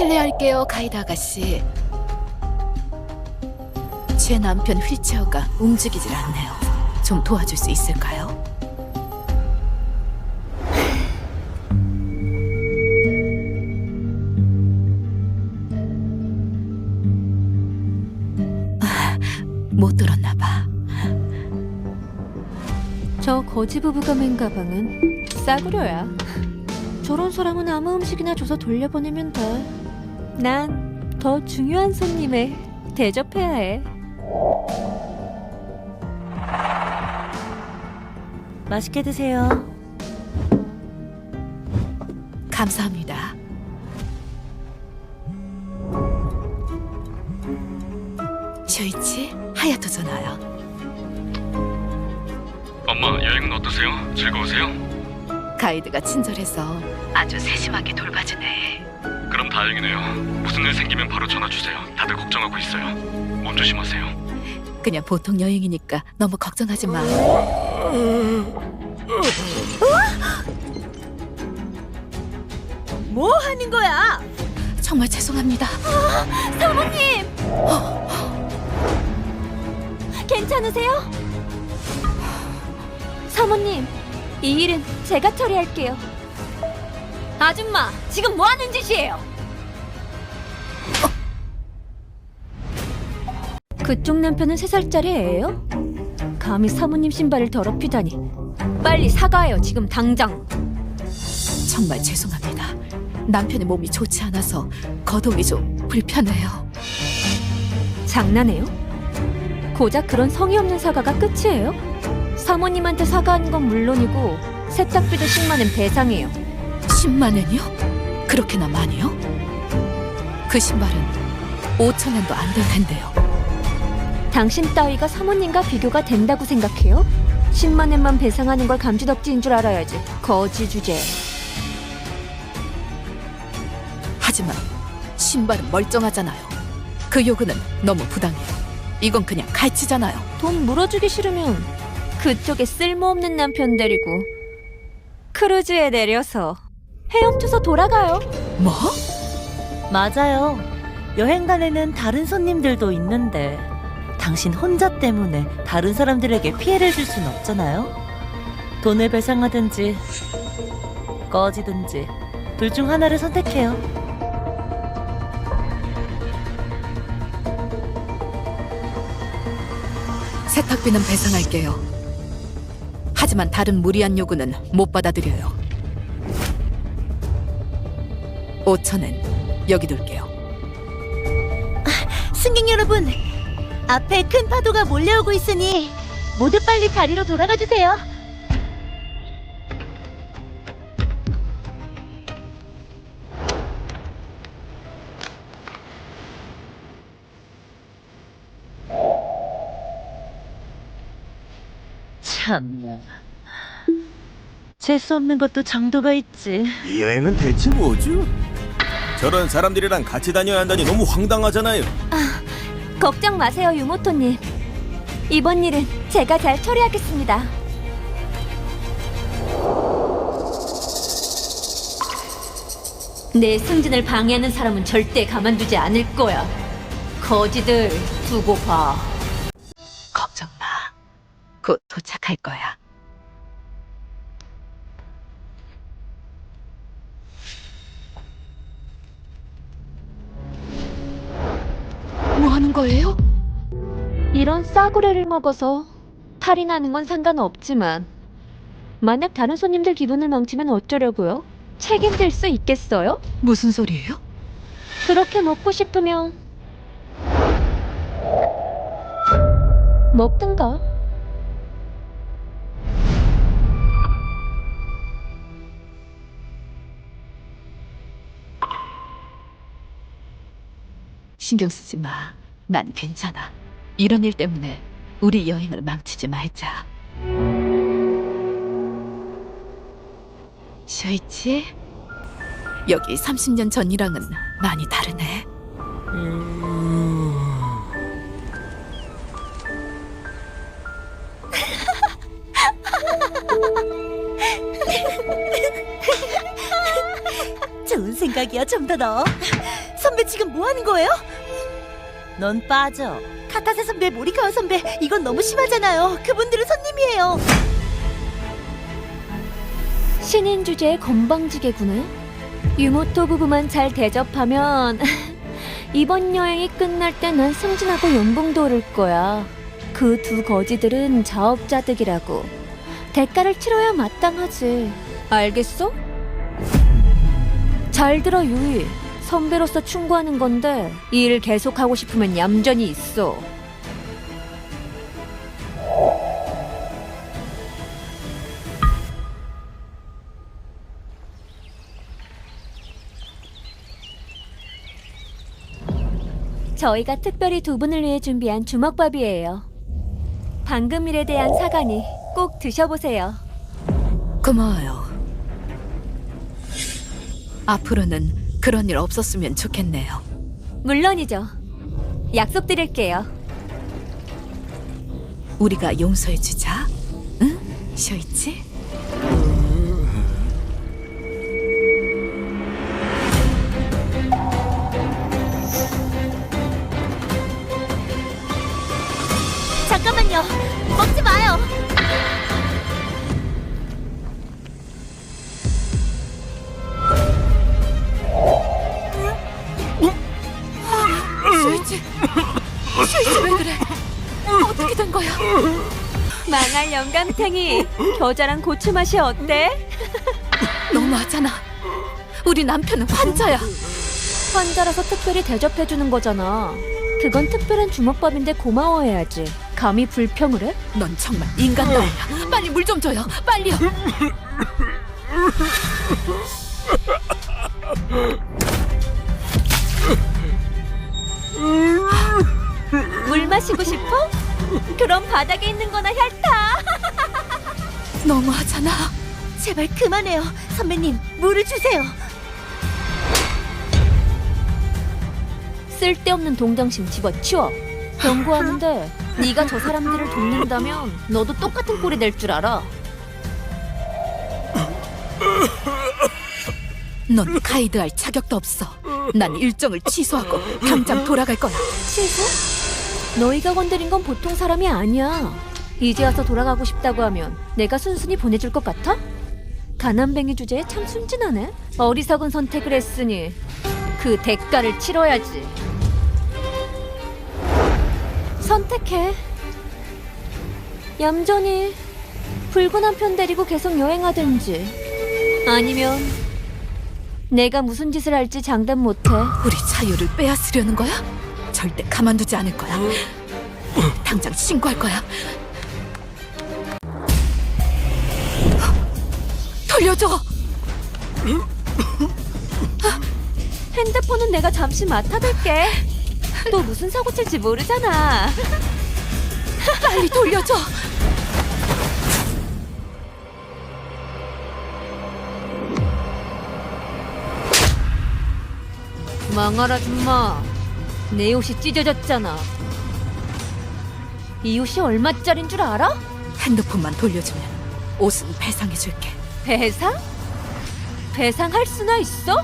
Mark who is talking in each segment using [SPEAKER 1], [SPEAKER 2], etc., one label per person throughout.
[SPEAKER 1] 실례할게요, 가이드 아가씨. 제 남편 휠체어가 움직이질 않네요. 좀 도와줄 수 있을까요? 못 들었나 봐.
[SPEAKER 2] 저 거지 부부가 맨 가방은 싸구려야. 저런 사람은 아무 음식이나 줘서 돌려보내면 돼. 난 더 중요한 손님을 대접해야 해. 맛있게 드세요.
[SPEAKER 1] 감사합니다. 쇼이치, 하야토 전화요.
[SPEAKER 3] 엄마, 여행은 어떠세요? 즐거우세요?
[SPEAKER 1] 가이드가 친절해서 아주 세심하게 돌봐주네.
[SPEAKER 3] 그럼 다행이네요. 무슨 일 생기면 바로 전화 주세요. 다들 걱정하고 있어요. 몸 조심하세요.
[SPEAKER 1] 그냥 보통 여행이니까 너무 걱정하지 마.
[SPEAKER 2] 뭐 하는 거야?
[SPEAKER 1] 정말 죄송합니다.
[SPEAKER 2] 사모님! 괜찮으세요? 사모님, 이 일은 제가 처리할게요. 아줌마, 지금 뭐 하는 짓이에요? 그쪽 남편은 3살짜리 애예요? 감히 사모님 신발을 더럽히다니. 빨리 사과해요, 지금 당장.
[SPEAKER 1] 정말 죄송합니다. 남편의 몸이 좋지 않아서 거동이 좀 불편해요.
[SPEAKER 2] 장난해요? 고작 그런 성의 없는 사과가 끝이에요? 사모님한테 사과하는 건 물론이고 세탁비도 10만 원 배상해요.
[SPEAKER 1] 10만 원이요? 그렇게나 많이요? 그 신발은 5천 원도 안 될 텐데요.
[SPEAKER 2] 당신 따위가 사모님과 비교가 된다고 생각해요? 10만 원만 배상하는 걸 감지덕지인 줄 알아야지. 거지 주제.
[SPEAKER 1] 하지만 신발은 멀쩡하잖아요. 그 요구는 너무 부당해요. 이건 그냥 갈치잖아요.
[SPEAKER 2] 돈 물어주기 싫으면 그쪽에 쓸모없는 남편 데리고 크루즈에 내려서 헤엄쳐서 돌아가요.
[SPEAKER 1] 뭐?
[SPEAKER 4] 맞아요. 여행단에는 다른 손님들도 있는데 당신 혼자 때문에 다른 사람들에게 피해를 줄 순 없잖아요. 돈을 배상하든지 꺼지든지 둘 중 하나를 선택해요.
[SPEAKER 1] 세탁비는 배상할게요. 하지만 다른 무리한 요구는 못 받아들여요. 5천엔 여기 둘게요.
[SPEAKER 4] 승객 여러분, 앞에 큰 파도가 몰려오고 있으니 모두 빨리 자리로 돌아가 주세요. 참나, 재수 없는 것도 정도가 있지.
[SPEAKER 5] 이 여행은 대체 뭐죠? 저런 사람들이랑 같이 다녀야 한다니 너무 황당하잖아요.
[SPEAKER 2] 걱정 마세요, 유모토님. 이번 일은 제가 잘 처리하겠습니다. 내 승진을 방해하는 사람은 절대 가만두지 않을 거야. 거지들 두고 봐.
[SPEAKER 1] 걱정 마. 곧 도착할 거야. 뭐 하는 거예요?
[SPEAKER 2] 이런 싸구려를 먹어서 탈이 나는 건 상관없지만 만약 다른 손님들 기분을 망치면 어쩌려고요? 책임질 수 있겠어요?
[SPEAKER 1] 무슨 소리예요?
[SPEAKER 2] 그렇게 먹고 싶으면 먹든가.
[SPEAKER 1] 신경 쓰지 마. 난 괜찮아. 이런 일 때문에 우리 여행을 망치지 말자. 쇼이치, 여기 30년 전이랑은 많이 다르네.
[SPEAKER 4] 좋은 생각이야, 좀 더 넣어. 선배 지금 뭐 하는 거예요? 넌 빠져. 카타세 선배, 모리카와 선배, 이건 너무 심하잖아요. 그분들은 손님이에요.
[SPEAKER 2] 신인 주제의 건방지게구나. 유모토 부부만 잘 대접하면 이번 여행이 끝날 때 난 승진하고 연봉도 오를 거야. 그 두 거지들은 자업자득이라고. 대가를 치러야 마땅하지. 알겠어? 잘 들어, 유이. 선배로서 충고하는 건데 이 일 계속하고 싶으면 얌전히 있어. 저희가 특별히 두 분을 위해 준비한 주먹밥이에요. 방금 일에 대한 사과니 꼭 드셔보세요.
[SPEAKER 1] 고마워요. 앞으로는 그런 일 없었으면 좋겠네요.
[SPEAKER 2] 물론이죠. 약속드릴게요.
[SPEAKER 1] 우리가 용서해주자. 응? 쇼이치?
[SPEAKER 4] 잠깐만요. 먹지 마요.
[SPEAKER 1] 쇼이치! 쇼이치 왜 그래? 어떻게 된 거야?
[SPEAKER 2] 망할 영감탱이. 겨자랑 고추 맛이 어때?
[SPEAKER 1] 너무하잖아. 우리 남편은 환자야.
[SPEAKER 2] 환자라서 특별히 대접해주는 거잖아. 그건 특별한 주먹밥인데 고마워해야지. 감히 불평을 해?
[SPEAKER 1] 넌 정말 인간 따위야. 빨리 물 좀 줘요. 빨리요.
[SPEAKER 2] 물 마시고 싶어? 그럼 바닥에 있는 거나 핥아.
[SPEAKER 1] 너무하잖아.
[SPEAKER 4] 제발 그만해요. 선배님, 물을 주세요.
[SPEAKER 2] 쓸데없는 동정심 집어치워. 경고하는데 네가 저 사람들을 돕는다면 너도 똑같은 꼴이 될 줄 알아.
[SPEAKER 1] 넌 가이드할 자격도 없어. 난 일정을 취소하고 당장 돌아갈 거야.
[SPEAKER 2] 취소? 너희가 건드린 건 보통 사람이 아니야. 이제 와서 돌아가고 싶다고 하면 내가 순순히 보내줄 것 같아? 가난뱅이 주제에 참 순진하네. 어리석은 선택을 했으니 그 대가를 치러야지. 선택해. 얌전히 붉은 한 편 데리고 계속 여행하든지 아니면 내가 무슨 짓을 할지 장담 못해.
[SPEAKER 1] 우리 자유를 빼앗으려는 거야? 절대 가만두지 않을 거야. 당장 신고할 거야. 돌려줘.
[SPEAKER 2] 핸드폰은 내가 잠시 맡아둘게. 또 무슨 사고 칠지 모르잖아.
[SPEAKER 1] 빨리 돌려줘.
[SPEAKER 2] 망할 아줌마. 내 옷이 찢어졌잖아. 이 옷이 얼마짜린 줄 알아?
[SPEAKER 1] 핸드폰만 돌려주면 옷은 배상해줄게.
[SPEAKER 2] 배상? 배상할 수나 있어?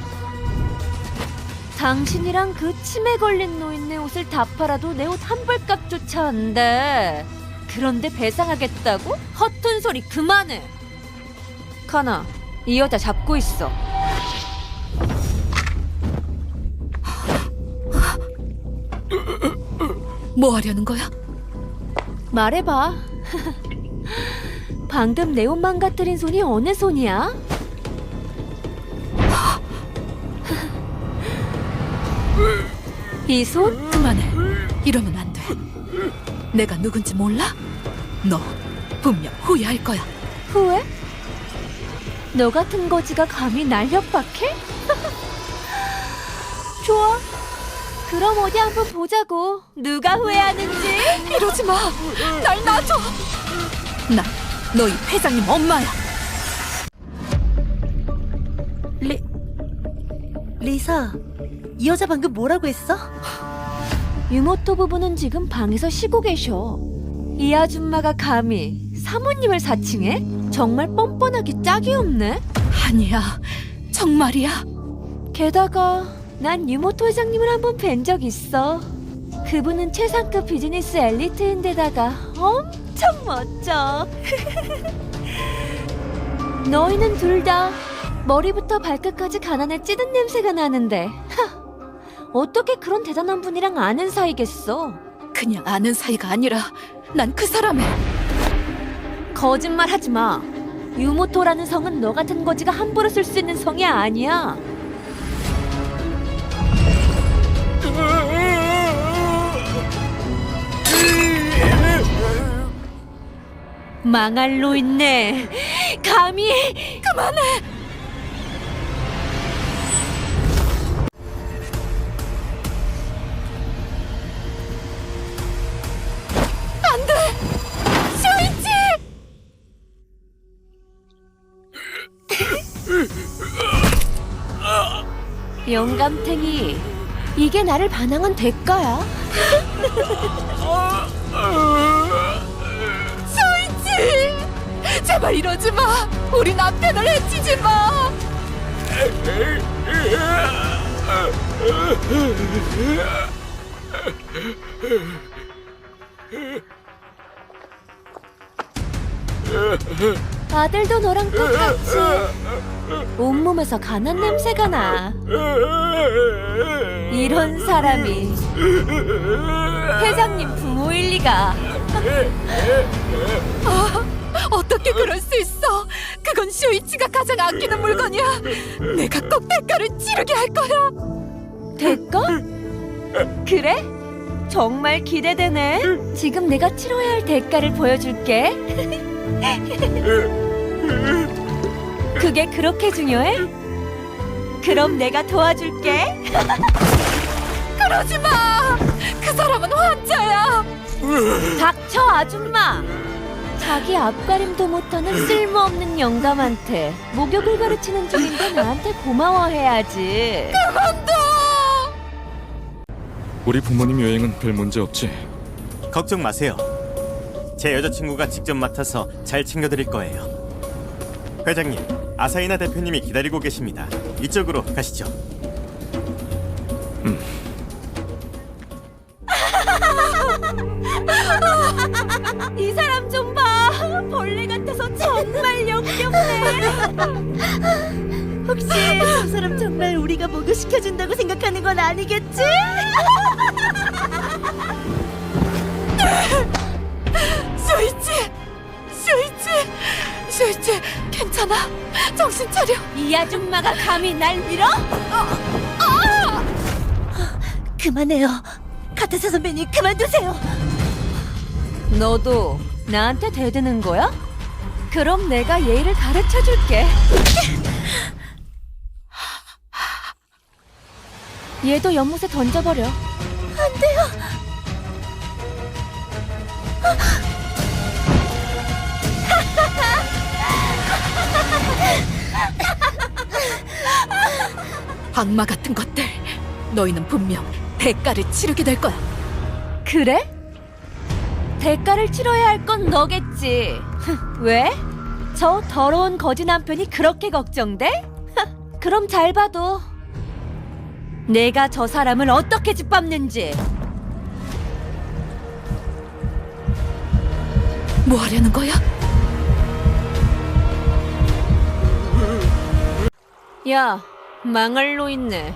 [SPEAKER 2] 당신이랑 그 치매 걸린 노인네 옷을 다 팔아도 내 옷 한 벌값조차 안 돼. 그런데 배상하겠다고? 허튼 소리 그만해. 카나, 이 여자 잡고 있어.
[SPEAKER 1] 뭐 하려는 거야?
[SPEAKER 2] 말해봐. 방금 내 옷 망가뜨린 손이 어느 손이야? 이 손?
[SPEAKER 1] 그만해. 이러면 안 돼. 내가 누군지 몰라? 너 분명 후회할 거야.
[SPEAKER 2] 후회? 너 같은 거지가 감히 날 협박해? 좋아. 그럼 어디 한번 보자고. 누가 후회하는지.
[SPEAKER 1] 이러지 마. 날 놔줘. 난 너희 회장님 엄마야.
[SPEAKER 4] 리사, 이 여자 방금 뭐라고 했어?
[SPEAKER 2] 유모토 부부는 지금 방에서 쉬고 계셔. 이 아줌마가 감히 사모님을 사칭해? 정말 뻔뻔하기 짝이 없네.
[SPEAKER 1] 아니야. 정말이야.
[SPEAKER 2] 게다가 난 유모토 회장님을 한번 뵌 적 있어. 그분은 최상급 비즈니스 엘리트인데다가 엄청 멋져. 너희는 둘 다 머리부터 발끝까지 가난에 찌든 냄새가 나는데 어떻게 그런 대단한 분이랑 아는 사이겠어?
[SPEAKER 1] 그냥 아는 사이가 아니라 난 그 사람의
[SPEAKER 2] 거짓말 하지 마. 유모토라는 성은 너 같은 거지가 함부로 쓸 수 있는 성이 아니야. 망할로 있네. 감히 그만해. 영감탱이, 이게 나를 반항한 대가야.
[SPEAKER 1] 쇼이치! 제발 이러지 마! 우리 남편을 해치지 마!
[SPEAKER 2] 아들도 너랑 똑같이 온몸에서 가난 냄새가 나. 이런 사람이 회장님 부모일 리가.
[SPEAKER 1] 어떻게 그럴 수 있어? 그건 쇼이치가 가장 아끼는 물건이야. 내가 꼭 대가를 치르게 할 거야.
[SPEAKER 2] 대가? 그래? 정말 기대되네. 지금 내가 치러야 할 대가를 보여줄게. 그게 그렇게 중요해? 그럼 내가 도와줄게.
[SPEAKER 1] 그러지 마. 그 사람은 환자야.
[SPEAKER 2] 닥쳐, 아줌마. 자기 앞가림도 못하는 쓸모없는 영감한테 목욕을 가르치는 중인데 나한테 고마워해야지.
[SPEAKER 1] 그만둬.
[SPEAKER 3] 우리 부모님 여행은 별 문제 없지?
[SPEAKER 5] 걱정 마세요. 제 여자친구가 직접 맡아서 잘 챙겨드릴 거예요. 회장님, 아사히나 대표님이 기다리고 계십니다. 이쪽으로 가시죠.
[SPEAKER 2] 이 사람 좀 봐. 벌레 같아서 정말 역겹네.
[SPEAKER 4] 혹시 저 사람 정말 우리가 목욕시켜준다고 생각하는 건 아니겠지?
[SPEAKER 1] 쇼이치, 괜찮아? 정신 차려.
[SPEAKER 2] 이 아줌마가 감히 날 밀어?
[SPEAKER 4] 그만해요. 카타사 선배님 그만두세요.
[SPEAKER 2] 너도 나한테 대드는 거야? 그럼 내가 예의를 가르쳐 줄게. 얘도 연못에 던져버려.
[SPEAKER 4] 안 돼요.
[SPEAKER 1] 악마 같은 것들. 너희는 분명 대가를 치르게 될 거야.
[SPEAKER 2] 그래? 대가를 치러야 할 건 너겠지. 왜? 저 더러운 거지 남편이 그렇게 걱정돼? 그럼 잘 봐도 내가 저 사람을 어떻게 짓밟는지.
[SPEAKER 1] 뭐 하려는 거야?
[SPEAKER 2] 야, 망할 로 있네.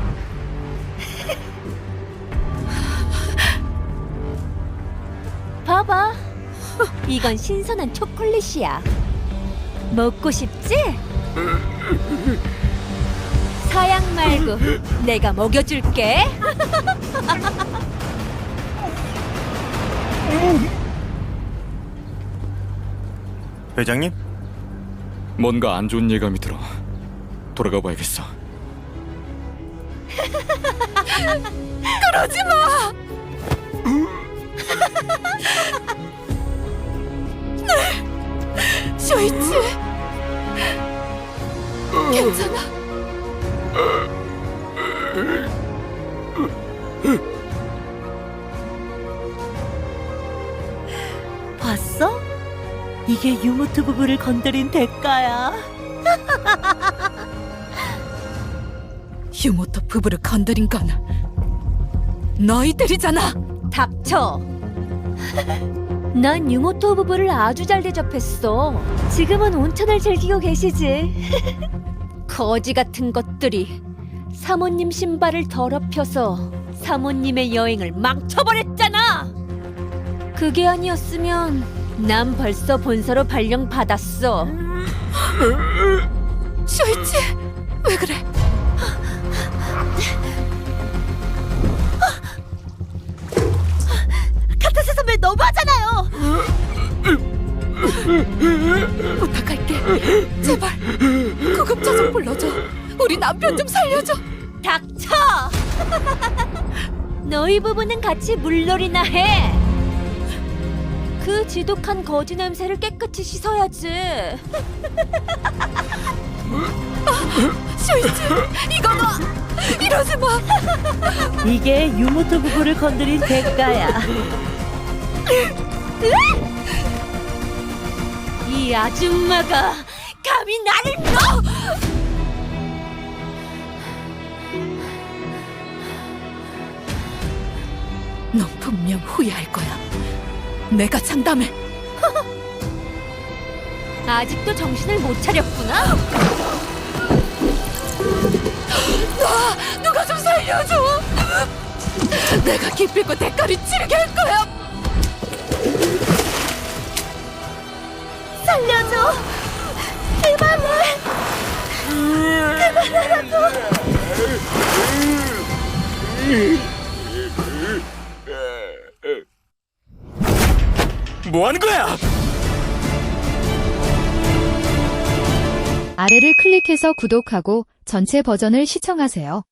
[SPEAKER 2] 봐봐. 이건 신선한 초콜릿이야. 먹고 싶지? 사양 말고 내가 먹여줄게.
[SPEAKER 5] 회장님?
[SPEAKER 3] 뭔가 안 좋은 예감이 들어. 돌아가 봐야겠어.
[SPEAKER 1] 그러지 마. 네, 쇼이치. 괜찮아.
[SPEAKER 4] 봤어? 이게 유모토 부부를 건드린 대가야.
[SPEAKER 1] 유모토 부부를 건드린 건 너희들이잖아.
[SPEAKER 2] 닥쳐. 난 유모토 부부를 아주 잘 대접했어. 지금은 온천을 즐기고 계시지. 거지 같은 것들이 사모님 신발을 더럽혀서 사모님의 여행을 망쳐버렸잖아. 그게 아니었으면 난 벌써 본서로 발령 받았어.
[SPEAKER 1] 쇼이치, 왜 그래?
[SPEAKER 4] 카타세 선배 너무하잖아요.
[SPEAKER 1] 부탁할게. 제발 구급차 좀 불러줘. 우리 남편 좀 살려줘.
[SPEAKER 2] 닥쳐! 너희 부부는 같이 물놀이나 해. 그 지독한 거지 냄새를 깨끗이 씻어야지.
[SPEAKER 1] 쇼이치, 이거 너 이러지 마.
[SPEAKER 4] 이게 유모토 부부를 건드린 대가야.
[SPEAKER 2] 이 아줌마가 감히 나를
[SPEAKER 1] 넌 분명 후회할 거야. 내가 장담해.
[SPEAKER 2] 아직도 정신을 못 차렸구나.
[SPEAKER 1] 누가 좀 살려줘. 내가 기필코 대가를 치르게 할 거야.
[SPEAKER 4] 살려줘. 그만해.
[SPEAKER 5] 뭐 하는 거야?
[SPEAKER 6] 아래를 클릭해서 구독하고 전체 버전을 시청하세요.